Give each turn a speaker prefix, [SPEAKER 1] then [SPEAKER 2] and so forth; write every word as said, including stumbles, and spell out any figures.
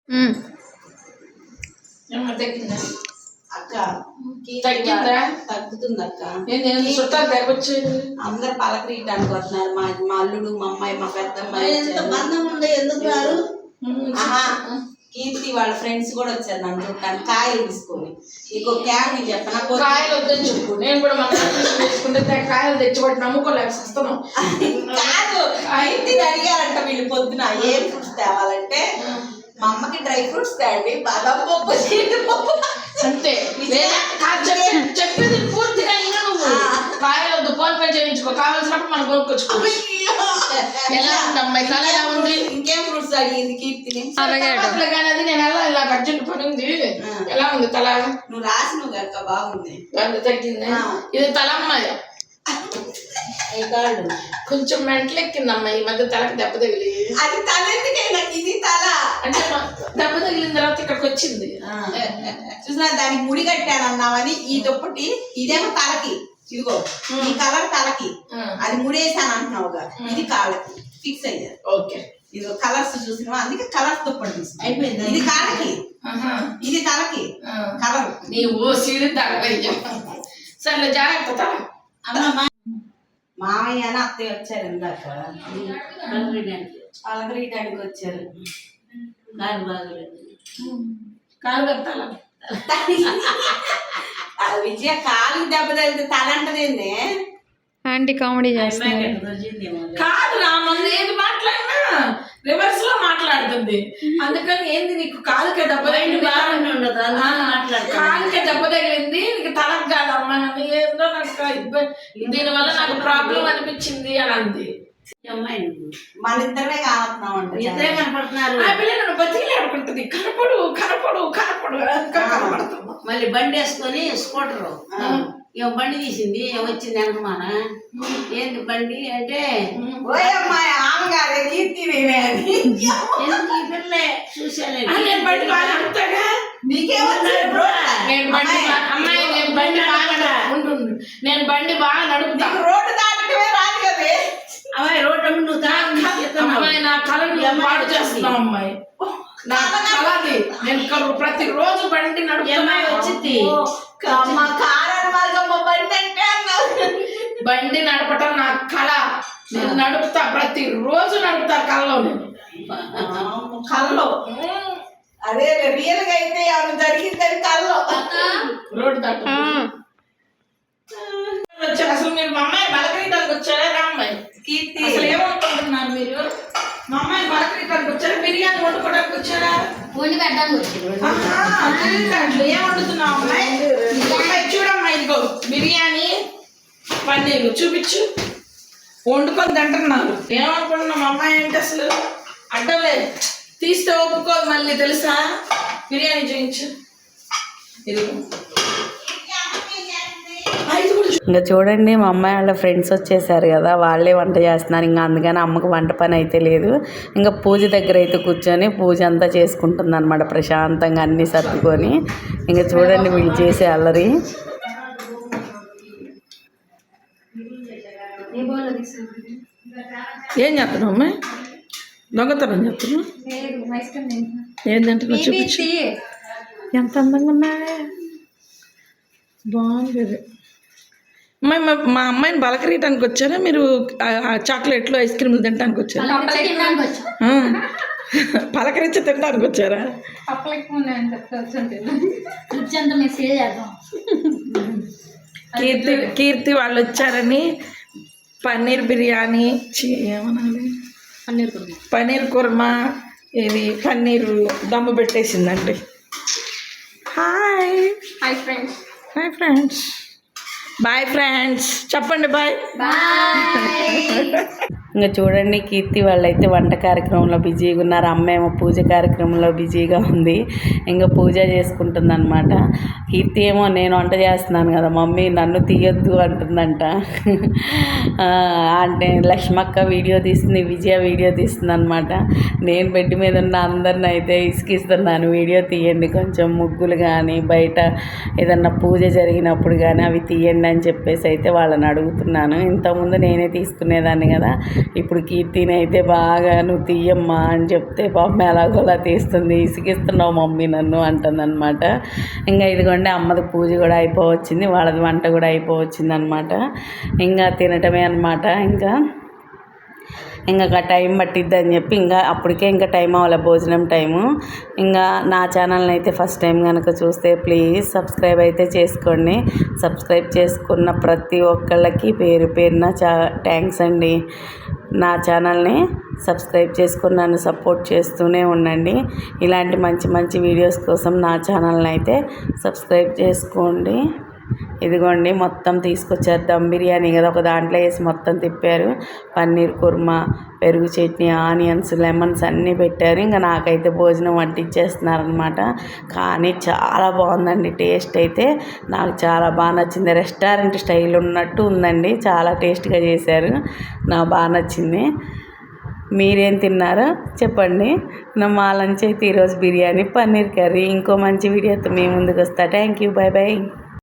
[SPEAKER 1] అక్క తగ్గిందా? తగ్గుతుంది అక్క. చుట్టాలు తగ్గొచ్చు, అందరు పలకరీయడానికి వస్తున్నారు. మా మా అల్లుడు, మా అమ్మాయి, మా పెద్దమ్మాయి. బంధం ఉండే ఎందుకు రారు? కీర్తి వాళ్ళ ఫ్రెండ్స్ కూడా వచ్చారు నన్ను చూడటానికి, కాయలు తీసుకొని. ఇంకో క్యాబ్ చెప్పిన కాయలు వద్దని చెప్పు. నేను కూడా మన తీసుకుంటే కాయలు తెచ్చిపట్టి నమ్ముకోలేక వస్తున్నాం. కాదు, కీర్తిని అడిగారంట వీళ్ళు పొద్దున ఏం ఫ్రూట్స్ తేవాలంటే, మా అమ్మకి డ్రై ఫ్రూట్స్ తేండి, బాదం పప్పు, జీడిపప్పు అంతే. చెప్పేది పూర్తిగా ఇంకా నువ్వు కాయలు వద్దు, ఫోన్ పే చేయించుకో, కావాల్సినప్పుడు మనం కొనుక్కొచ్చుకో. ఎలా ఉంది అమ్మాయి, తల ఎలా ఉంది? ఇంకేం ఫ్రూట్స్ అడిగింది కీర్తిని. కానీ అది నేను ఎలా ఇలా అర్జెంట్ పని ఉంది. ఎలా ఉంది తల? నువ్వు రాసి నువ్వు అక్క బాగుంది, తగ్గింది. ఇది తల అమ్మాయి, కొంచెం మెంటలు ఎక్కిందమ్మా ఈ మధ్య, తలకి దెబ్బ తగిలి. అది తల ఎందుకైనా, ఇది తల అంటే దెబ్బ తగిలిన తర్వాత ఇక్కడికి వచ్చింది. చూసినా దానికి ముడి కట్టాను అన్నావని ఈ దుప్పటి, ఇదేమో తలకి, ఇదిగో ఈ కలర్ తలకి, అది ముడేసాను అంటున్నావుగా, ఇది కాళ్ళకి ఫిక్స్ అయ్యారు. ఓకే, ఇది కలర్స్ చూసినా అందుకే కలర్స్ దుప్పటి తీసుకు అయిపోయింది. ఇది కాళ్ళకి, ఇది తలకి కలర్. నీవు సీడి సరే జాగ్రత్త. మామయ్య అని అత్తయ్య వచ్చారు ఇందాక, పలకరీయడానికి వచ్చారు. కాలు బాగలేదు, కాలు కట్టాల. విజయ కాలు దెబ్బ తగిలితే తల అంటదేంది
[SPEAKER 2] ఆంటీ కామెడీ చేస్తున్నారు.
[SPEAKER 1] కాదు నా మంది ఏది మాట్లాడినా రివర్స్ లో మాట్లాడుతుంది. అందుకని ఏంది నీకు కాలుకే దెబ్బ తగిలింది, కాలుకే దెబ్బ తగిలింది నీకు తలకు కాదమ్మా, ఏందో నాకు ఇబ్బంది, దీనివల్ల నాకు ప్రాబ్లం అనిపించింది అని అంది. మన ఇద్దరే కావస్తున్నామంట, ఇద్దరే కనపడుతున్నారు. ఆ పిల్ల నన్ను బతికి ఆడుకుంటుంది, కనపడు కనపడు కనపడు కనపడుతున్నా. మళ్ళీ బండి వేసుకొని స్కూటరు, ఏం బండి తీసింది, ఏమొచ్చింది అనుమాన, ఏంది బండి అంటే చూసాను. నేను బండి బాగా నడుపుతా, రోడ్డు దాటమే రాదు కదా అమ్మాయి, రోడ్డు నువ్వు అమ్మాయి నా కళను పాడు చేస్తున్నావు అమ్మాయి, నా కళది. నేను ప్రతి రోజు బండి నడుపుతా వచ్చింది. బండి నడపటం నా కళ, నేను నడుపుతా, ప్రతి రోజు నడుపుతా కళ్ళలో. నేను కళ్ళలో అదే రియల్ గా అయితే ఎవరు జరిగిందని కళ్ళలో రోడ్డు దాట వచ్చారు. అసలు మీరు మా అమ్మాయి బలకరీయడానికి వచ్చారా? రా అమ్మాయి కీర్తి, అసలు ఏమనుకుంటున్నారు మీరు? మా అమ్మాయి బలకరీయడానికి వచ్చారా, బిర్యానీ వండుకోవడానికి వచ్చారా? వండి పెట్టడానికి వచ్చారు. ఏం వండుతున్నావు అమ్మాయి? చూడమ్మా, ఇదిగో బిర్యానీ, పన్నీరు చూపించు, వండుకొని తింటున్నారు. ఏమనుకుంటున్నాం అమ్మాయి అంటే అసలు అడ్డలే, తీస్తే ఒప్పుకోదు మళ్ళీ తెలుసా. బిర్యానీ చూపించు, ఇదిగో.
[SPEAKER 3] ఇంకా చూడండి మా అమ్మాయి వాళ్ళ ఫ్రెండ్స్ వచ్చేసారు కదా, వాళ్ళే వంట చేస్తున్నారు. ఇంకా అందుకని అమ్మకు వంట పని అయితే లేదు. ఇంకా పూజ దగ్గర అయితే కూర్చొని పూజ అంతా చేసుకుంటుంది అనమాట, ప్రశాంతంగా అన్నీ సర్దుకొని. ఇంకా చూడండి వీళ్ళు చేసే అల్లరి.
[SPEAKER 1] ఏం చేస్తున్నావు అమ్మాయి? దొంగతనం చేస్తున్నావు? ఏంటంటే చూపించు, ఎంత అందంగా ఉన్నాయా, బాగుంది. అమ్మాయి మా అమ్మాయిని బలకరీయటానికి వచ్చారా మీరు? చాక్లెట్లు ఐస్ క్రీమ్లు తినడానికి వచ్చారా? పలకరించి తినడానికి వచ్చారా? కీర్తి కీర్తి వాళ్ళు వచ్చారని పన్నీర్ బిర్యానీ, ఏమనాలి, పన్నీర్ కుర్మా, పన్నీర్ కుర్మా, ఇది పన్నీర్ దమ్ము పెట్టేసిందండి. Hi
[SPEAKER 2] hi friends,
[SPEAKER 1] hi friends, bye friends చెప్పండి, బాయ్.
[SPEAKER 3] ఇంకా చూడండి కీర్తి వాళ్ళైతే వంట కార్యక్రమంలో బిజీగా ఉన్నారు, అమ్మ ఏమో పూజ కార్యక్రమంలో బిజీగా ఉంది. ఇంకా పూజ చేసుకుంటుంది అనమాట. కీర్తి ఏమో నేను వంట చేస్తున్నాను కదా మమ్మీ నన్ను తీయొద్దు అంటుందంట. అంటే లక్ష్మక్క వీడియో తీస్తుంది, విజయ వీడియో తీస్తుంది అనమాట. నేను బెడ్ మీద ఉన్న అందరిని అయితే ఇసుకిస్తున్నాను, వీడియో తీయండి కొంచెం, ముగ్గులు కానీ బయట ఏదన్నా పూజ జరిగినప్పుడు కానీ అవి తీయండి అని చెప్పేసి అయితే వాళ్ళని అడుగుతున్నాను. ఇంతకుముందు నేనే తీసుకునేదాన్ని కదా, ఇప్పుడు కీర్తిని అయితే బాగా నువ్వు తీయమ్మా అని చెప్తే పాపం ఎలాగోలా తీస్తుంది, ఇసుకిస్తున్నావు మమ్మీ నన్ను అంటుందన్నమాట. ఇంకా ఇదిగోండి అమ్మది పూజ కూడా అయిపోవచ్చింది, వాళ్ళది వంట కూడా అయిపోవచ్చింది అనమాట. ఇంకా తినటమే అనమాట. ఇంకా ఇంకా టైం పట్టిద్ది అని చెప్పి ఇంకా అప్పటికే ఇంకా టైం అవ్వాలి భోజనం టైము. ఇంకా నా ఛానల్ని అయితే ఫస్ట్ టైం కనుక చూస్తే ప్లీజ్ సబ్స్క్రైబ్ అయితే చేసుకోండి. సబ్స్క్రైబ్ చేసుకున్న ప్రతి ఒక్కళ్ళకి పేరు పేరున చా థ్యాంక్స్ అండి. నా ఛానల్ని సబ్స్క్రైబ్ చేసుకుని నన్ను సపోర్ట్ చేస్తూనే ఉండండి. ఇలాంటి మంచి మంచి వీడియోస్ కోసం నా ఛానల్ని అయితే సబ్స్క్రైబ్ చేసుకోండి. ఇదిగోండి మొత్తం తీసుకొచ్చారు దమ్ బిర్యానీ కదా, ఒక దాంట్లో వేసి మొత్తం తిప్పారు. పన్నీర్ కుర్మా, పెరుగు చట్నీ, ఆనియన్స్, లెమన్స్ అన్నీ పెట్టారు. ఇంకా నాకైతే భోజనం వడ్డించేస్తున్నారనమాట. కానీ చాలా బాగుందండి, టేస్ట్ అయితే నాకు చాలా బాగా నచ్చింది. రెస్టారెంట్ స్టైల్ ఉన్నట్టు ఉందండి, చాలా టేస్ట్గా చేశారు, నాకు బాగా నచ్చింది. మీరేం తిన్నారో చెప్పండి. నా మా లంచ్ అయితే ఈరోజు బిర్యానీ, పన్నీర్ కర్రీ. ఇంకో మంచి వీడియోతో మీ ముందుకు వస్తా. Thank you, bye bye.